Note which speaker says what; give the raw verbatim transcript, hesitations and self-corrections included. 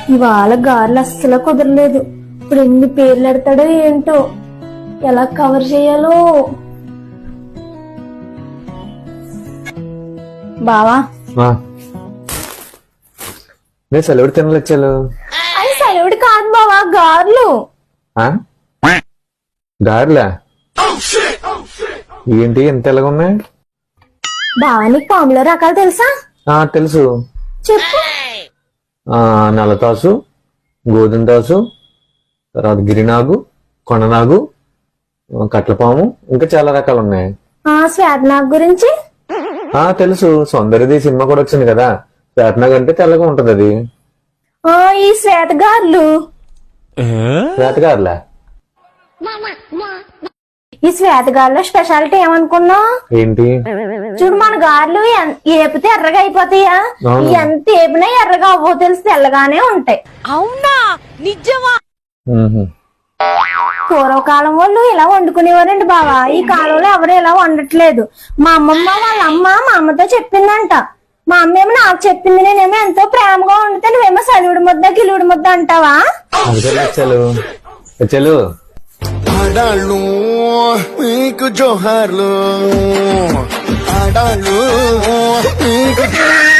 Speaker 1: ఇవాళ గారెలు అస్సలు కుదరలేదు. ఇప్పుడు ఎన్ని పేర్లు ఎడతాడో ఏంటో, ఎలా కవర్ చేయాలో. బావా
Speaker 2: నేను సెలవుడు తినలేచ్చాను.
Speaker 1: అది సెలవుడు కాదు బావా, గారెలు.
Speaker 2: గారెలా? ఏంటి ఎంత ఎలాగ ఉన్నాయి?
Speaker 1: బావా నీకు పాములో రకాలు తెలుసా?
Speaker 2: తెలుసు,
Speaker 1: చెప్పు.
Speaker 2: నల్లతాసు, గోధుమ తాసు, తర్వాత గిరినాగు, కొండనాగు, కట్లపాము, ఇంకా చాలా రకాలు ఉన్నాయి.
Speaker 1: శ్వేతనాగ్ గురించి
Speaker 2: తెలుసు, సౌందర్యది సినిమా కూడా వచ్చింది కదా. శ్వేతనాగ్ అంటే తెల్లగా ఉంటది అది.
Speaker 1: ఈ శ్వేతగారులు
Speaker 2: శ్వేతగారులా?
Speaker 1: ఈ శ్వేతగారులో స్పెషాలిటీ ఏమనుకున్నావు?
Speaker 2: ఏంటి?
Speaker 1: చూడు, మన గారెలు ఏపితే ఎర్రగా అయిపోతాయా? ఎంత ఏపినా ఎర్రగా అవ్వో తెలిసి తెల్లగానే ఉంటాయి.
Speaker 3: అవునా? నిజమా?
Speaker 1: పూర్వకాలం వాళ్ళు ఇలా వండుకునేవారండి బావా. ఈ కాలంలో ఎవరు ఇలా వండట్లేదు. మా అమ్మమ్మ వాళ్ళ అమ్మ మా అమ్మతో చెప్పిందంట. మా అమ్మ ఏమో నాకు చెప్పింది. నేనేమో ఎంతో ప్రేమగా వండితే నువ్వేమో సలివిడి ముద్ద గిలుడి ముద్ద అంటావా?
Speaker 4: ఆడాళ్ళు మీకు జోహార్లు, ఆడాళ్ళు మీకు